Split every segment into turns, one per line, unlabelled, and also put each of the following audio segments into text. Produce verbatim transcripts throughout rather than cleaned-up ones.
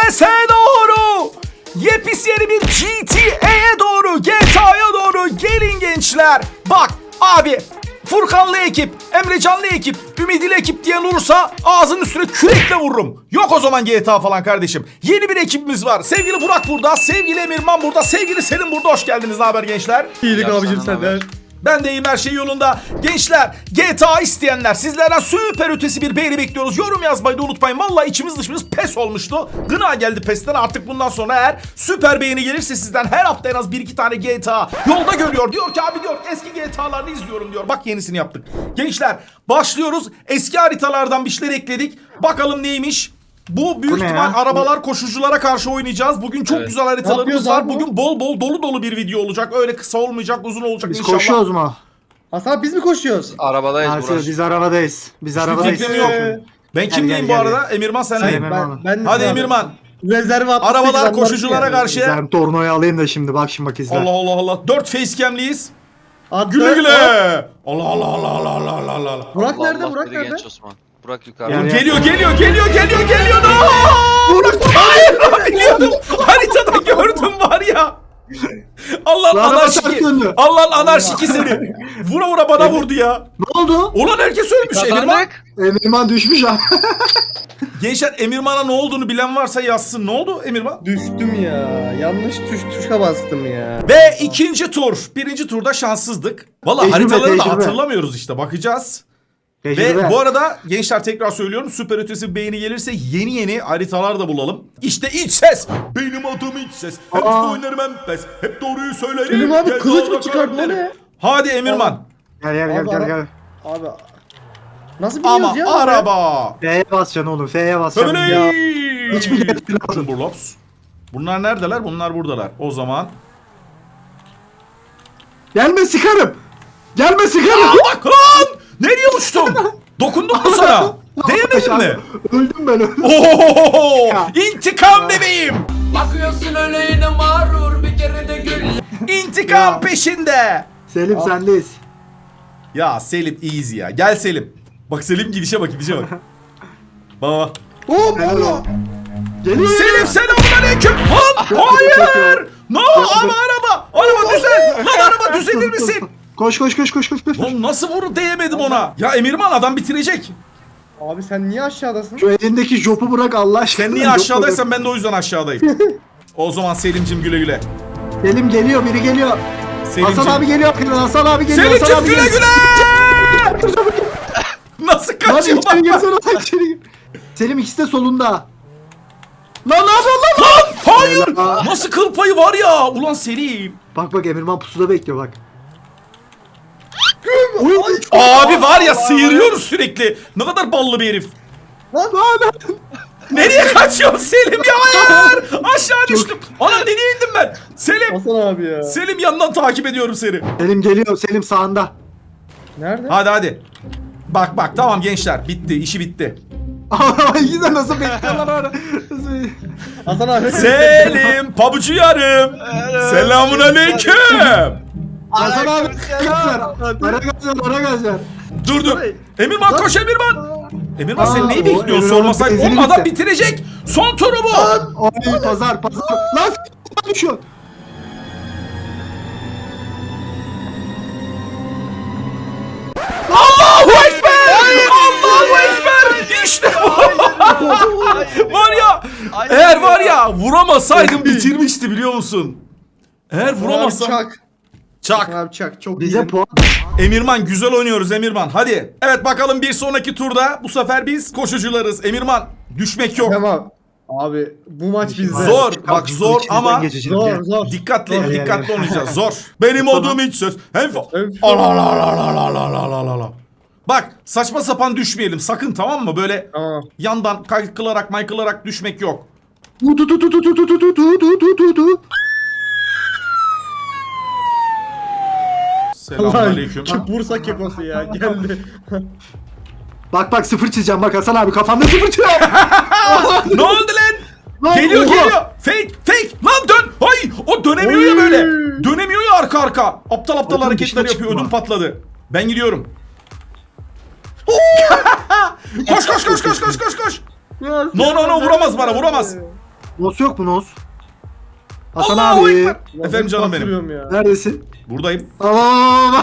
Sese doğru. Yepis yeni bir G T A'ye doğru, G T A'ya doğru gelin gençler. Bak abi, Furkanlı ekip, Emrecanlı ekip, Ümidili ekip diyen olursa ağzının üstüne kürekle vururum. Yok o zaman G T A falan kardeşim. Yeni bir ekibimiz var. Sevgili Burak burada, sevgili Emirman burada, sevgili Selim burada. Hoş geldiniz. Ne haber gençler?
İyilik abicim senden.
Ben de iyiyim, her şey yolunda. Gençler, G T A isteyenler, sizlerden süper ötesi bir beğeni bekliyoruz. Yorum yazmayı da unutmayın. Vallahi içimiz dışımız pes olmuştu. Gına geldi pesten. Artık bundan sonra eğer süper beğeni gelirse sizden her hafta en az bir iki tane G T A yolda görüyor. Diyor ki abi diyor eski G T A'larını izliyorum diyor. Bak yenisini yaptık. Gençler başlıyoruz. Eski haritalardan bir şeyler ekledik. Bakalım neymiş? Bu büyük
Bu ne
ihtimal
ya?
arabalar koşuculara karşı oynayacağız. Bugün çok
Evet.
güzel
Ne
haritalarımız
yapıyoruz
var.
abi bu?
Bugün bol bol dolu dolu bir video olacak. Öyle kısa olmayacak, uzun olacak
Biz
inşallah.
koşuyoruz mu?
Hasan biz mi koşuyoruz?
Arabadayız
Arsız,
Burak.
biz arabadayız. Biz
Hiçbir
arabadayız.
fikrim yok. Ben
Gel,
kimdeyim
gel,
bu
gel,
arada? Emirman sen
Sayın
neyim?
Emirman.
Ben, ben
Hadi
abi.
Emirman.
Rezerve altmış sekiz
Arabalar
anlarım
koşuculara
yani.
karşı.
Ben tornoyu alayım da şimdi bak şimdi bak izle.
Allah Allah Allah. Dört facecam'liyiz.
Attı.
Güle güle.
Hop.
Allah Allah Allah Allah Allah Allah Allah.
Burak
Allah
nerede?
Allah
Burak
dedi
nerede?
genç Osman. Burak yukarıda.
Yani-
Geliyor geliyor geliyor geliyor geliyor. No! Burak hayır biliyordum. Haritada gördüm var ya. Allah'ın
Lan araba
anarşiki.
ters döndü.
Allah'ın anarşiki seni. Vura vura bana vurdu ya.
Ne oldu?
Ulan herkes ölmüş Emirman.
Kazandık.
Emirman düşmüş ha.
Gençler Emirman'a ne olduğunu bilen varsa yazsın. Ne oldu Emirman?
Düştüm ya. Yanlış tuş tuşa bastım ya.
Ve ikinci tur. Birinci turda şanssızdık. Valla
Tecrübe,
haritaları da
tecrübe.
hatırlamıyoruz işte. Bakacağız. Ve
Tecrübe.
bu arada gençler tekrar söylüyorum. Süper ötesi bir beğeni gelirse yeni yeni haritalar da bulalım. İşte iç ses. Benim adım iç ses. Hem
Aa.
oynarım hem pes. Hep doğruyu söylerim.
Selim abi
Gel
kılıç
dağda
mı çıkardın o
karakterim.
ne?
Hadi Emirman.
Gel gel gel
Abi,
gel
ara-
gel.
Abi. Nasıl biliyoruz
Ama
ya?
araba.
F'ye basacaksın oğlum F'ye basacaksın.
Öyle.
Ya. Hiç mi getirmedin?
Burlops. Bunlar neredeler? Bunlar buradalar. O zaman.
Gelme sıkarım. Gelme sıkarım.
Aa, bak lan! Nereye uçtum? Dokundum mu sana? Değmedin mi?
Öldüm ben öldüm.
Ohohoho!
Ya.
İntikam bebeğim.
Bakıyorsun öyle yine mağrur bir kere de gül.
İntikam
Ya.
peşinde.
Selim sendeyiz.
Ya Selim easy ya. Gel Selim. Bak Selim gidişe bak gidişe bak. Baba.
Hop
Helal
Allah.
olsun. Geliyor.
Selim selamünaleyküm. Lan hayır. No ama araba. Araba düzel. Lan araba düzelir misin?
Koş koş koş koş koş. koş.
Lan nasıl vuru değemedim ona? Ya Emirman adam bitirecek.
Abi sen niye aşağıdasın?
Şu elindeki jopu bırak Allah aşkına.
Sen niye
Jopu
aşağıdaysan ben de o yüzden aşağıdayım. O zaman Selim'cim güle güle.
bırak. Selim geliyor biri geliyor.
Selim'cim.
Hasan abi geliyor. Hasan abi geliyor. Hasan
Selim'cim
abi
güle
geliyor.
güle. Nasıl
Lan
kaçıyor
içeri
lan?
girsene lan içeri gir. Selim ikisi de solunda. Lan ne yapıyorsun lan?
Lan hayır.
Helal.
Nasıl kıl payı var ya? Ulan Selim.
Bak bak Emirman pusuda bekliyor bak. Oy,
Abi var ya sıyırıyoruz sürekli. Ne kadar ballı bir herif.
lan lan.
Nereye kaçıyorsun Selim ya? Hayır. Aşağı düştüm. Ana nereye indim ben? Selim.
Hasan abi ya.
Selim yandan takip ediyorum seni.
Selim geliyor. Selim sağında.
Nerede?
Hadi hadi. Bak bak tamam gençler. Bitti. İşi bitti.
İkisi de nasıl bekliyorlar orada. Nasıl-
Hasan abi.
Selim. Pabucu yarım. Selamun aleyküm.
Hasan abi. Ara gaz ver. Ara gaz ver.
Dur dur. Emirman koş Emirman. Emirman sen
Aa,
neyi
o
bekliyorsun
Emirman'ın
sormasak?
benzini
Oğlum adam
bitti.
bitirecek. Son turu bu.
Oy pazar pazar. Lan s*** düşüyor.
Allahu Ekber! Allahu Ekber! İşte bu! Var ya,
Hayır
eğer
ya.
var ya vuramasaydım bitirmişti biliyor musun? Eğer
Hasan abi
vuramazsam...
çak.
Çak.
Hasan abi çak. Çok
Bize
iyi.
puan.
Emirman güzel oynuyoruz Emirman. Hadi. Evet bakalım bir sonraki turda bu sefer biz koşucularız. Emirman düşmek yok.
Tamam. Abi bu maç bizde.
Zor. Bak zor
İçinizden
ama
geçeceğim.
Zor
Gel.
zor.
dikkatli
Gel, gel,
dikkatli
gel.
oynayacağız. Zor. Benim adım hiç söz. Hem
Hem-
Allah Allah Allah Allah Allah Allah Allah. Bak saçma sapan düşmeyelim sakın tamam mı? Böyle
Tamam.
yandan kaykılarak maykılarak düşmek yok.
Tu tu tu tu tu tu tu tu tu tu tu tu tu.
Selamünaleyküm.
Şu Bursa kekosu ya geldi.
Bak bak sıfır çizeceğim bak Hasan abi kafanda sıfır çiziyor.
Ne oldu lan?
Lan,
Geliyor
oha.
geliyor. Fake fake. Lan dön. Ay o dönemiyor ya
Oy.
böyle. Dönemiyor ya arka arka. Aptal aptal
Bakın,
hareketler
dışına
yapıyor.
çıkma.
Ödüm patladı. Ben gidiyorum. koş koş koş koş koş koş koş.
Ya
No no no vuramaz bana vuramaz.
Nos yok mu Nos? Hasan
Allahu
abi.
Ekber. Efendim canım benim.
Batırıyorum ya.
Neredesin?
Buradayım.
Aa,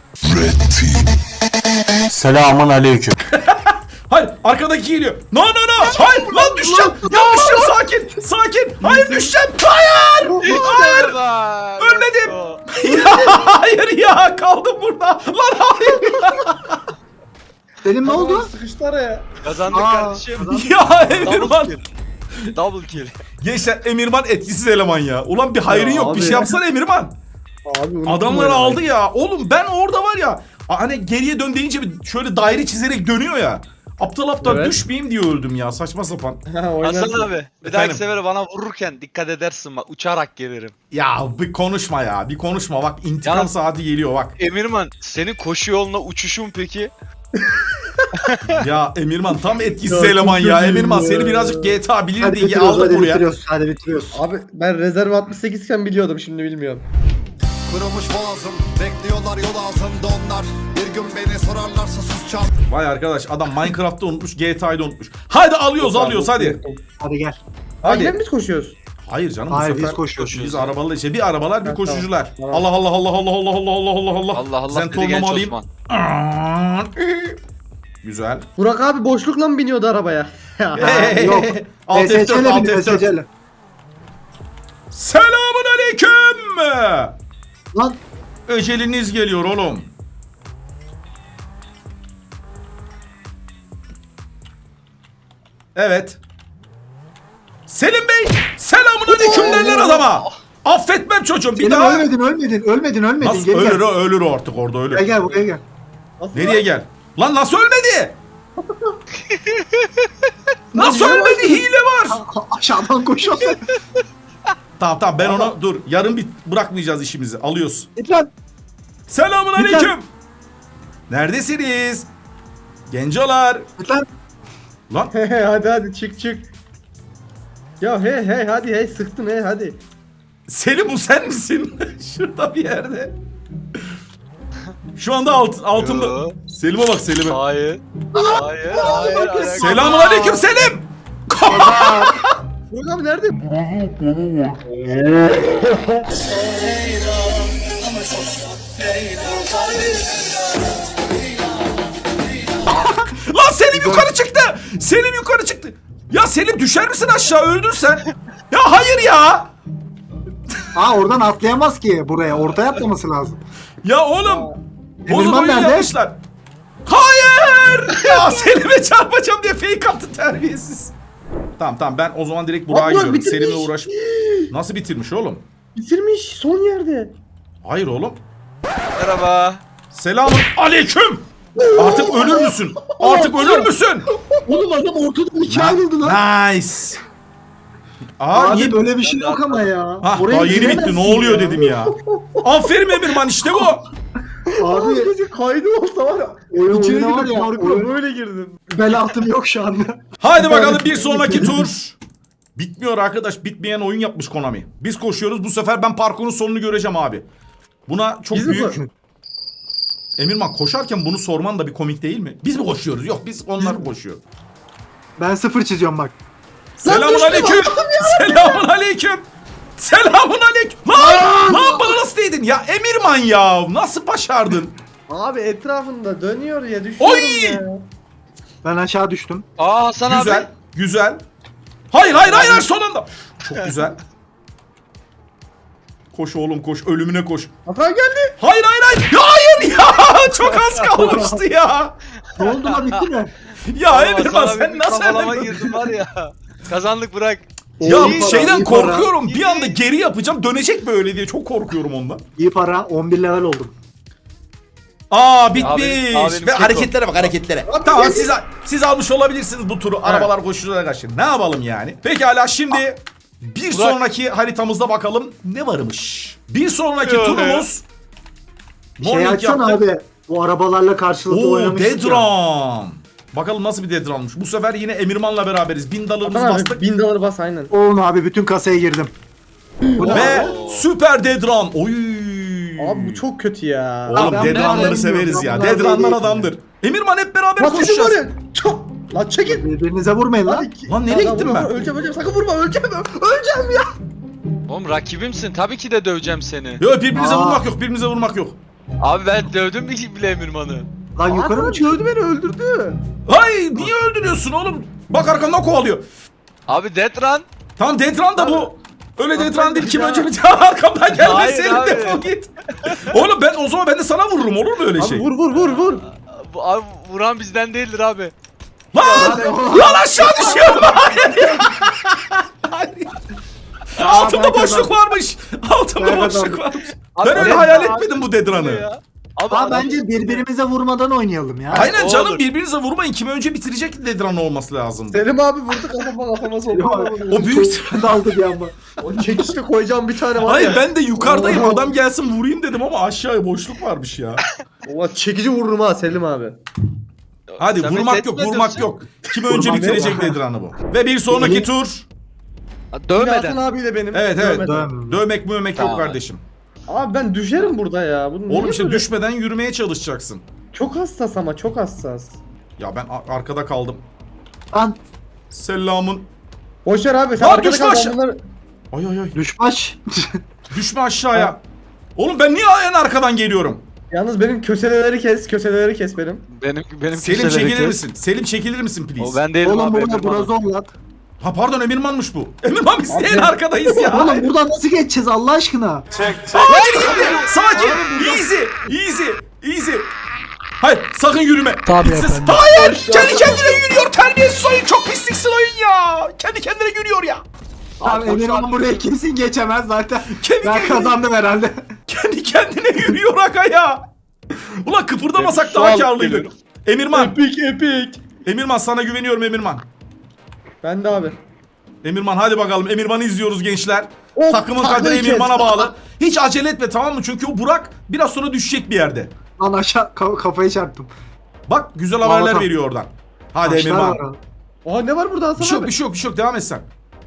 Selamun aleyküm.
Hayır arkadaki geliyor. No no no. Hayır lan düşeceğim. Ya düşeceğim sakin. Sakin. Hayır düşeceğim. Hayır. Hayır. Ölmedim. Ya hayır ya kaldım burada. Lan hayır.
Selim ne oldu?
Sıkıştı araya.
Kazandık
Aa,
kardeşim.
Ya
Double
Emirman.
kill. Double kill.
Gençler Emirman etkisiz eleman ya. Ulan bir hayrın
Ya
yok. Bir
abi.
şey yapsana Emirman.
Abi unuttum
Adamları
oynamayı.
aldı ya. Oğlum ben orada var ya. Hani geriye dön deyince bir şöyle daire çizerek dönüyor ya. Aptal aptal
Evet.
düşmeyeyim diye öldüm ya. Saçma sapan.
Ha, oynarsın.
Hasan abi bir
Efendim?
dahaki sefere bana vururken dikkat edersin bak uçarak gelirim.
Ya bir konuşma ya. Bir konuşma. Bak intikam
Ya-
saati geliyor bak.
Emirman senin koşu yoluna uçuşun peki?
Ya Emirman tam etkisiz
Ya,
eleman
çok
ya.
kötüyüm
Emirman
ya.
seni birazcık G T A bilir
Hadi
diye
bitiriyoruz,
aldık
hadi
buraya.
bitiriyoruz, hadi bitiriyoruz.
Abi ben rezerv altmış sekiz iken biliyordum, şimdi bilmiyorum.
Kurumuş boğazım, bekliyorlar yol ağzında onlar. Bir gün beni sorarlarsa sus çal.
Vay arkadaş adam Minecraft'ta unutmuş, G T A'yı unutmuş. Hadi alıyoruz alıyoruz hadi.
Hadi gel.
Hadi.
Hadi.
Yine mi biz koşuyoruz?
Hayır canım
Hayır,
bu sefer
biz koşuyoruz.
Biz arabalı şey bir arabalar bir
Ha,
koşucular.
tamam, tamam.
Allah Allah Allah Allah Allah Allah Allah Allah Allah.
Allah Allah dedi
Zentornomu
genç
alayım.
Osman.
Güzel.
Burak abi boşlukla mı biniyordu arabaya?
Ha, yok.
Alt F dört,
S S C 'le
alt
bin,
F
S
dört.
S C 'le.
Selamun aleyküm.
Lan
Öceliniz geliyor oğlum. Evet. Selim Bey, selamun aleyküm derler adama. Affetmem çocuğum. Bir
Selim
daha.
ölmedin, ölmedin, ölmedin, ölmedin.
Nasıl
Gel,
ölür
gel.
o ölür o artık orada ölür.
Gel gel buraya gel.
Nasıl
Nereye gel? Lan nasıl ölmedi? Nasıl
Lan
ölmedi? Hile var.
Ha, aşağıdan koşuyorsun.
Tamam tamam ben onu dur. Yarın bir bırakmayacağız işimizi. Alıyoruz.
Lütfen.
Selamun
Lütfen.
aleyküm. Neredesiniz? Gencolar.
Lütfen.
Lan
He he hadi hadi çık çık. Ya he he hadi he sıktın he hadi.
Selim bu sen misin? Şurada bir yerde. Şu anda alt, altımda.
Yo.
Selim'e bak Selim'e.
Hayır. Hayır. Hayır. alakası-
Selamun aleyküm Selim.
Burak abi nerede?
Lan Selim yukarı çıktı. Selim yukarı çıktı. Ya Selim düşer misin aşağı öldün sen. Ya hayır ya.
Aa oradan atlayamaz ki buraya. Ortaya atlaması lazım.
Ya oğlum. Bozuk
Emirman
oyun
nerede?
yapmışlar. Hayır. Ya Selim'e çarpacağım diye fake attı terbiyesiz. Tamam tamam ben o zaman direkt Burak'a
Burak
gidiyorum.
bitirmiş.
Selim'le uğraş. Nasıl bitirmiş oğlum?
Bitirmiş son yerde.
Hayır oğlum.
Merhaba.
Selamun aleyküm. Artık ölür müsün? Artık ölür müsün?
Oğlum adam ortadan ikiye ayrıldı lan.
Nice. Aa,
Abi
niye-
böyle bir şey yok ama ya.
Ha,
Oraya
daha yeni bitti.
giremezsin
Ne oluyor
ya.
dedim ya. Aferin Emirman işte bu.
Abi
Gece kaydı olsa var ya.
oyun
İçeri
oyuna var
girdim
ya.
parkura
Oyun,
böyle girdim.
bel altım yok şu anda.
Haydi bakalım bir sonraki tur. Bitmiyor arkadaş. Bitmeyen oyun yapmış Konami. Biz koşuyoruz. Bu sefer ben parkurun sonunu göreceğim abi. Buna çok
Biz mi
büyük...
koşuyoruz?
Emirman koşarken bunu sorman da bir komik değil mi? Biz mi koşuyoruz? Yok biz onlar koşuyor.
Ben sıfır çiziyorum bak.
Selamun aleyküm. Selamun aleyküm. Selamun aleyküm. Lan, lan bana nasıl değdin? Ya Emirman ya. Nasıl başardın?
Abi etrafında dönüyor ya düşüyorum
Oy!
ya.
Ben aşağı düştüm.
Aa Hasan
Güzel.
abi.
Güzel. Hayır hayır hayır hayır, son anda. Çok güzel. Koş oğlum koş. Ölümüne koş.
Hakan geldi.
Hayır hayır hayır. Ya hayır ya. Çok az kalmıştı ya.
Ne oldu lan bitti mi?
Ya
Aa,
Emirman
Hasan abi
sen
bir
nasıl
kavalama
hemen-
girdin var ya. Kazandık bırak.
Ya
İyi para,
şeyden
iyi para.
korkuyorum. Bir anda geri yapacağım. Dönecek böyle diye. Çok korkuyorum ondan.
İyi para. on bir level oldum.
Aa bitmiş.
Abi- abi benim
Ve
keko.
hareketlere bak hareketlere. tamam siz siz almış olabilirsiniz bu turu. Arabalar koşuculara karşı. Ne yapalım yani? Pekala şimdi bir
Burak.
sonraki haritamızda bakalım ne varmış. Bir sonraki
Yok
turumuz
Şey
Morning
açsana
yaptık.
abi. Bu arabalarla karşılıklı
Oo
oynamıştık ya.
Dedram. Bakalım nasıl bir Dedram'mış. Bu sefer yine Emirman'la beraberiz. Bin dolarımızı
Hakan
bastık.
abi bin dolar bas aynen.
Oğlum abi bütün kasaya girdim. Bu ne
Ve
abi?
süper Dedram. Oy.
Abi bu çok kötü ya.
Oğlum
ben
Dedranları
bunları
severiz
bilmiyorum,
ya.
ben bunları
Dedranlar
bilmiyorum.
adamdır. Emirman hep beraber
Bas bizim
koşacağız.
var ya. Çok. Lan çekil.
Birbirinize vurmayın lan.
Hadi.
Lan nereye
Lan,
gittim
vurma,
ben?
Öleceğim öleceğim sakın vurma öleceğim öleceğim ya.
Oğlum rakibimsin. Tabii ki de döveceğim seni.
Yok birbirimize
Aa.
vurmak yok, birbirimize vurmak yok.
Abi ben dövdüm bile Emirman'ı.
Lan yukarı mı
Adam
çıkıyor?
öldü beni öldürdü.
Hay niye öldürüyorsun oğlum? Bak arkandan kovalıyor.
Abi Death Run.
Tamam Detran da bu. Öyle
Lan
Detran
ben
değil
de
kim
ya.
önce bir daha arkamdan gelme
Hayır
Selim
abi.
defol git. Oğlum ben o zaman ben de sana vururum olur mu öyle
Abi
şey?
vur vur vur vur.
Bu, abi vuran bizden değildir abi.
Lan! Lan aşağı düşüyorum. Hayır. Hayır. Altımda
ben
boşluk
kazandım.
varmış. Altımda
Ben
boşluk
kazandım.
varmış.
Abi,
Ben öyle
abi,
hayal
abi,
etmedim bu Detran'ı.
ya. Abi
Aa,
adam-
bence birbirimize vurmadan oynayalım ya.
Aynen
o
canım
olur.
birbirinize vurmayın. Kimi önce bitirecek Detran olması lazım.
Selim abi vurdu kafama kafama soktu.
O büyük...
daldı bir anda.
O çekişte koyacağım bir tane var
Hayır
ya.
ben de yukarıdayım
Oo.
adam gelsin vurayım dedim ama aşağıya boşluk varmış ya.
Oha çekici vururum ha Selim abi.
Hadi
Sen beni
vurmak
tehdit
yok
mi
vurmak
ediyorsun?
yok. Kim önce
Vurmak
bitirecek
yok.
Detran'ı bu. Ve bir sonraki
İyi.
tur.
Ha,
Dövmeden.
Dövmeden.
abiyle benim.
Evet evet.
Dövmeden.
Dövmem.
Dövmek mövmek yok
Tamam.
kardeşim.
Abi ben düşerim burada ya. Bu niye
Oğlum işte
böyle?
düşmeden yürümeye çalışacaksın.
Çok hassas ama çok hassas.
Ya ben a- arkada kaldım.
Lan
Selamın.
Boşver abi sen
Lan
arkada
düşme
kal
aşağı.
ben bunları...
Ay ay ay.
düşbaş.
Düşme aşağıya. Oğlum ben niye en arkadan geliyorum?
Yalnız benim köseleleri kes, köseleleri kes benim.
Benim benim
Selim
köşeleri
çekilir
kes.
misin? Selim çekilir misin please?
O ben değilim
Oğlum
abi.
burada
Emirman'ım.
brazon lan.
Ha pardon Emirman'mış bu. Emirman biz de en
Abi-
arkadayız ya.
Oğlum buradan nasıl geçeceğiz Allah aşkına?
Aa biri gitti. Sakin. Easy. Easy. Easy. Hayır sakın yürüme.
Tabii
Siz-
efendim.
Hayır. Kendi kendine yürüyor. Terbiyesiz oyun. Çok pisliksin oyun ya. Kendi kendine yürüyor ya.
Abi Emirhan buraya kesin geçemez zaten.
Kendi
Ben
kendine-
kazandım herhalde.
Kendi kendine yürüyor aga ya. Ulan kıpırdamasak
Şu
daha
an
karlıydık.
geliyorum.
Emirman.
Epik epik.
Emirman sana güveniyorum Emirman.
Ben de abi.
Emirman hadi bakalım. Emirman'ı izliyoruz gençler.
Of,
Takımın
taklayı
kaderi
kes.
Emirman'a bağlı. Hiç acele etme tamam mı? Çünkü o Burak biraz sonra düşecek bir yerde.
Lan aşağı ka- kafayı çarptım.
Bak güzel haberler
Vallahi.
veriyor oradan. Hadi
Taşlar
Emirman.
var abi.
Oha ne var burada Hasan
Bir şey yok
abi?
bir şey yok bir şey yok devam et sen.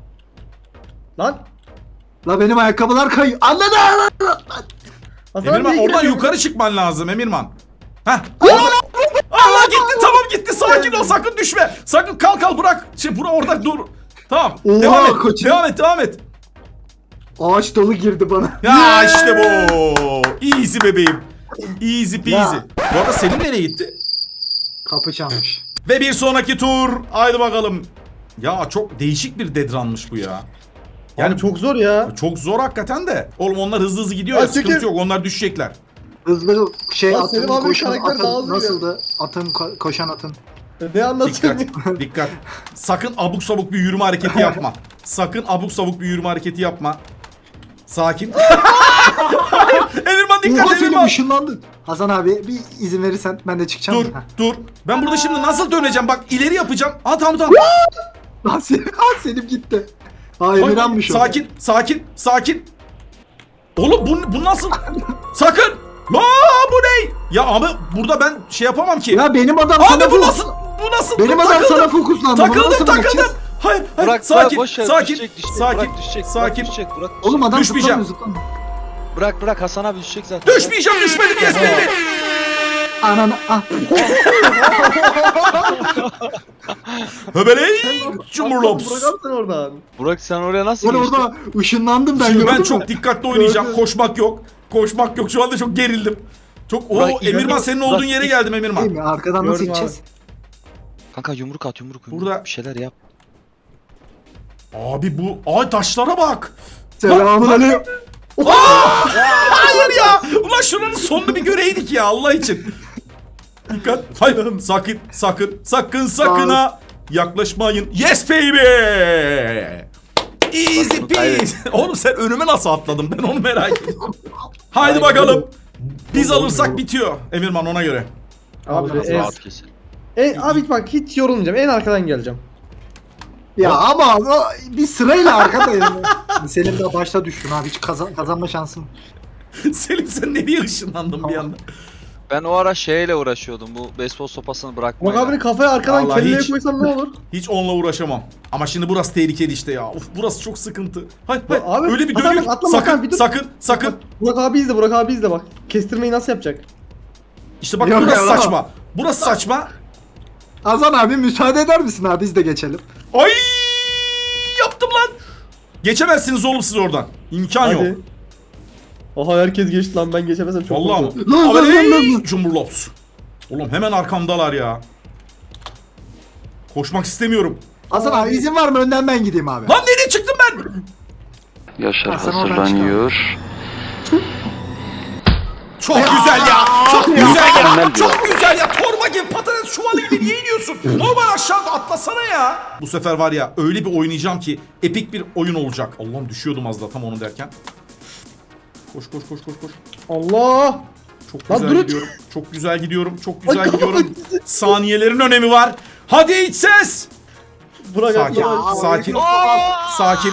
Lan.
La benim ayakkabılar kayıyor. Anladın mı?
Hasan
Emirman
niye
oradan
giremiyor?
yukarı çıkman lazım Emirman. Heh. Allah gitti tamam gitti sakin ol sakın düşme. Sakın kalk kal bırak. Şey bura orada dur. Tamam.
Oha,
devam et.
koçum.
Devam et devam et.
Ağaç dolu girdi bana.
Ya işte bu. Easy bebeğim. Easy peasy.
Ya.
Bu arada Selim nereye gitti?
Kapı çalmış.
Ve bir sonraki tur. Haydi bakalım. Ya çok değişik bir dedranmış bu ya.
Yani çok zor ya.
Çok zor hakikaten de. Oğlum onlar hızlı hızlı gidiyor ya,
Ya
sıkıntı
çekil.
yok onlar düşecekler.
Hızlı şey
Lan
atın
Selim abinin
koşan
karakter daha
atın
hızlı
nasıldı? Atın ko- koşan atın.
Ne anlatıyorsun?
Dikkat dikkat. Sakın abuk sabuk bir yürüme hareketi yapma. Sakın abuk sabuk bir yürüme hareketi yapma. Sakin. Hayır, Emirman dikkat
Oha Selim
Emirman.
ışınlandın. Hasan abi bir izin verirsen ben de çıkacağım.
Dur
Heh.
dur. Ben burada şimdi nasıl döneceğim? Bak ileri yapacağım. Aa tamam tamam.
Lan Selim, ah, Selim gitti. Ha Emirhan'mış o.
Sakin sakin sakin. Oğlum bu, bu nasıl? Sakın. Aa bu ne? Ya abi burada ben şey yapamam ki.
Ya benim adam
Abi
sana
bu
fok-
nasıl? Bu nasıl?
Benim
Dur,
adam
takıldım.
sana fokuslandı. Bunu
Takıldım
nasıl
takıldım.
bırakacağız?
Hayır hayır
Burak
sakin
Burak boş ver.
sakin
Düşecek, düşecek.
sakin
Burak düşecek.
sakin.
Burak düşecek. Burak düşecek.
Oğlum adam
Düşmeyeceğim.
zıplamıyor zıplamıyor.
Bırak bırak Hasan abi düşecek zaten.
Düşmeyeceğim düşmedim yes baby.
Ananı ah.
Höbeley
Bırak
cumhurlops.
abi sen oradan.
Burak sen oraya nasıl
Ben
geçtin?
orada ışınlandım ben
Şimdi
gördün
ben
mü?
çok dikkatli oynayacağım.
Gördüm.
Koşmak yok. Koşmak yok. Şu anda çok gerildim. Çok o
Burak,
Emirman
gördüm.
senin
Burak,
olduğun yere
ilk-
geldim
Değil
Emirman.
mi? Arkadan nasıl
Gördüm
gideceğiz?
Kanka yumruk at yumruk yumruk.
Burada-
Bir şeyler yap.
Abi bu ay taşlara bak.
Selamun aleyküm.
Hayır ya. Ulan şuranın sonunu bir göreydik ya Allah için. Dikkat. Hayır sakın sakın sakın sakın ha yaklaşmayın. Yes baby. Easy peasy. Oğlum sen önüme nasıl atladın ben onu merak ediyorum. Haydi bakalım. Biz alırsak bitiyor. Emirman ona göre.
Abi
Nasıl
en,
Rahat kesin.
en, abi bak hiç yorulmayacağım. En arkadan geleceğim.
Ya ama o, bir sırayla arkadayım. Selim de başta düştün abi. Hiç kazan, kazanma şansım.
Selim sen nereye ışınlandın bir anda?
Ben o ara şeyle uğraşıyordum. Bu beyzbol sopasını
Bak
bırakmayla.
abinin kafaya arkadan
Vallahi
kelleye
hiç.
koysam ne olur?
Hiç onunla uğraşamam. Ama şimdi burası tehlikeli işte ya. Uf burası çok sıkıntı. Hayır hayır.
Abi,
Öyle bir
Hasan
dönüyor.
bak, atlama Hasan,
Sakın
bir dur.
sakın sakın.
Burak abi izle, Burak abi izle bak. Kestirmeyi nasıl yapacak?
İşte bak
Yok
burası
ya,
saçma. Burası saçma.
Hasan abi müsaade eder misin abi biz de geçelim.
Ay yaptım lan. Geçemezsiniz oğlum siz oradan. İmkan yok.
Hadi. Oha herkes geçti lan, ben geçemezsem çok
Vallahi
korkuyorum.
mı?
Lan, lan,
Abi
lan, lan, lan.
Cumhurlops. Oğlum hemen arkamdalar ya. Koşmak istemiyorum.
Hasan abi izin var mı önden ben gideyim abi.
Lan nereye çıktım ben?
Yaşar
Ha, sen oradan
hazırlanıyor.
Çok güzel ya. Çok güzel ya.
Mükemmel
Çok güzel ya. Torba gibi patates çuvalı gibi niye iniyorsun? Normal aşağıda atlasana ya. Bu sefer var ya öyle bir oynayacağım ki epik bir oyun olacak. Allah'ım düşüyordum az da tam onu derken. Koş koş koş koş koş.
Allah!
Çok
Lan
güzel
durun.
gidiyorum. Çok güzel gidiyorum. Çok güzel
Ay,
gidiyorum. Saniyelerin önemi var. Hadi iç ses.
Bırak
Sakin.
Allah.
Sakin. Sakin.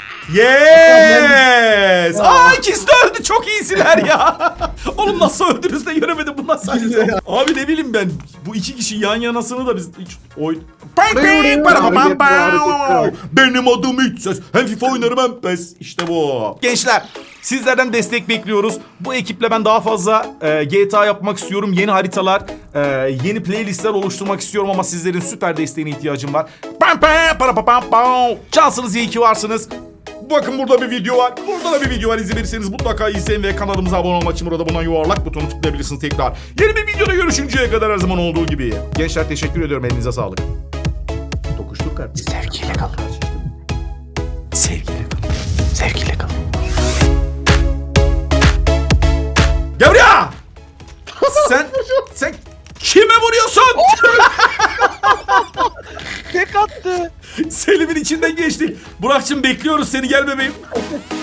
Yes! Aa ikisi de öldü. Çok iyisiler ya. Oğlum nasıl öldünüz de göremedim bundan sadece. Abi ne bileyim ben. Bu iki kişi yan yanasını da biz hiç oy... Benim adım hiç ses. Hem FIFA oynarım hem PES. İşte bu. Gençler sizlerden destek bekliyoruz. Bu ekiple ben daha fazla e, G T A yapmak istiyorum. Yeni haritalar, e, yeni playlistler oluşturmak istiyorum ama sizlerin süper desteğine ihtiyacım var. Pam pam para pam pam pam. Şansınız iyi ki varsınız. Bakın burada bir video var. Burada da bir video var. İzlemediyseniz mutlaka izleyin ve kanalımıza abone olmak için burada buna yuvarlak butonu tıklayabilirsiniz tekrar. Yeni bir videoda görüşünceye kadar her zaman olduğu gibi. Gençler teşekkür ediyorum. Elinize sağlık. Dokuştuk kardeşim.
Sevgiyle kalın. Sevgiyle kalın. Sevgiyle kalın.
Gel buraya! sen, sen kime vuruyorsun?
Tek attı.
Selim'in içinden geçti. Burak'cığım bekliyoruz seni, gel bebeğim.